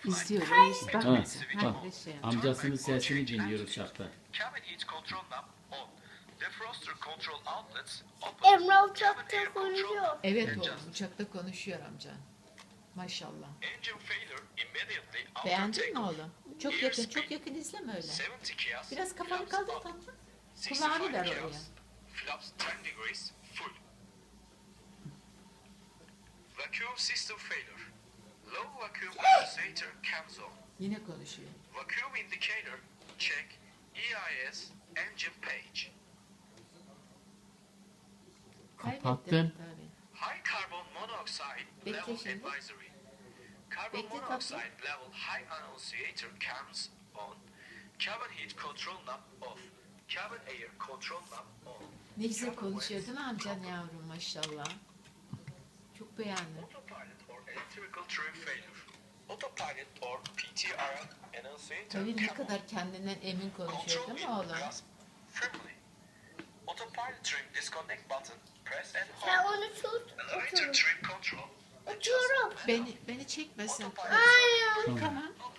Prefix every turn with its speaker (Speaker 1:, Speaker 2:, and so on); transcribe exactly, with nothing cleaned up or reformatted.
Speaker 1: İzliyoruz. Bak
Speaker 2: Ha,
Speaker 1: mesela.
Speaker 2: bak.
Speaker 1: Ha, şey.
Speaker 2: Amcasının sesini dinliyoruz şartta.
Speaker 3: Emrah uçakta konuşuyor.
Speaker 1: Evet oğlum, uçakta konuşuyor amca. Maşallah. Beğendin mi oğlum? Çok yakın, çok yakın izleme öyle. Biraz kafanı kaldır tatlı. Kulağını ver oraya.
Speaker 4: Flaps ten degrees full. Vacuum system failure. Low vacuum condensator comes on.
Speaker 1: Yine konuşuyor.
Speaker 4: Vacuum indicator check E I S engine page.
Speaker 1: Kaybettin.
Speaker 2: Kapattın.
Speaker 1: Tabii.
Speaker 4: High carbon monoxide
Speaker 1: Bekle
Speaker 4: level
Speaker 1: şimdi.
Speaker 4: advisory. Carbon
Speaker 1: Bekle tatlım.
Speaker 4: monoxide level high annunciator comes on. Cabin heat control knob off. Cabin air control knob on.
Speaker 1: Ne güzel konuşuyor değil mi amcan yavrum maşallah. Çok beğendim.
Speaker 4: Autopilot or electrical trim failure. Autopilot or P T R annunciator
Speaker 1: Tabii ne
Speaker 4: come on.
Speaker 1: kadar kendinden emin konuşuyor
Speaker 4: Control
Speaker 1: değil mi
Speaker 4: wheel
Speaker 1: oğlum?
Speaker 4: grasp firmly. Autopilot trim disconnect button. Press and
Speaker 3: Sen
Speaker 4: hold.
Speaker 3: onu tut.
Speaker 4: Later
Speaker 3: Otur.
Speaker 4: trim control.
Speaker 3: Oturup.
Speaker 1: Beni beni çekmesin.
Speaker 3: Hayır.
Speaker 1: Tamam.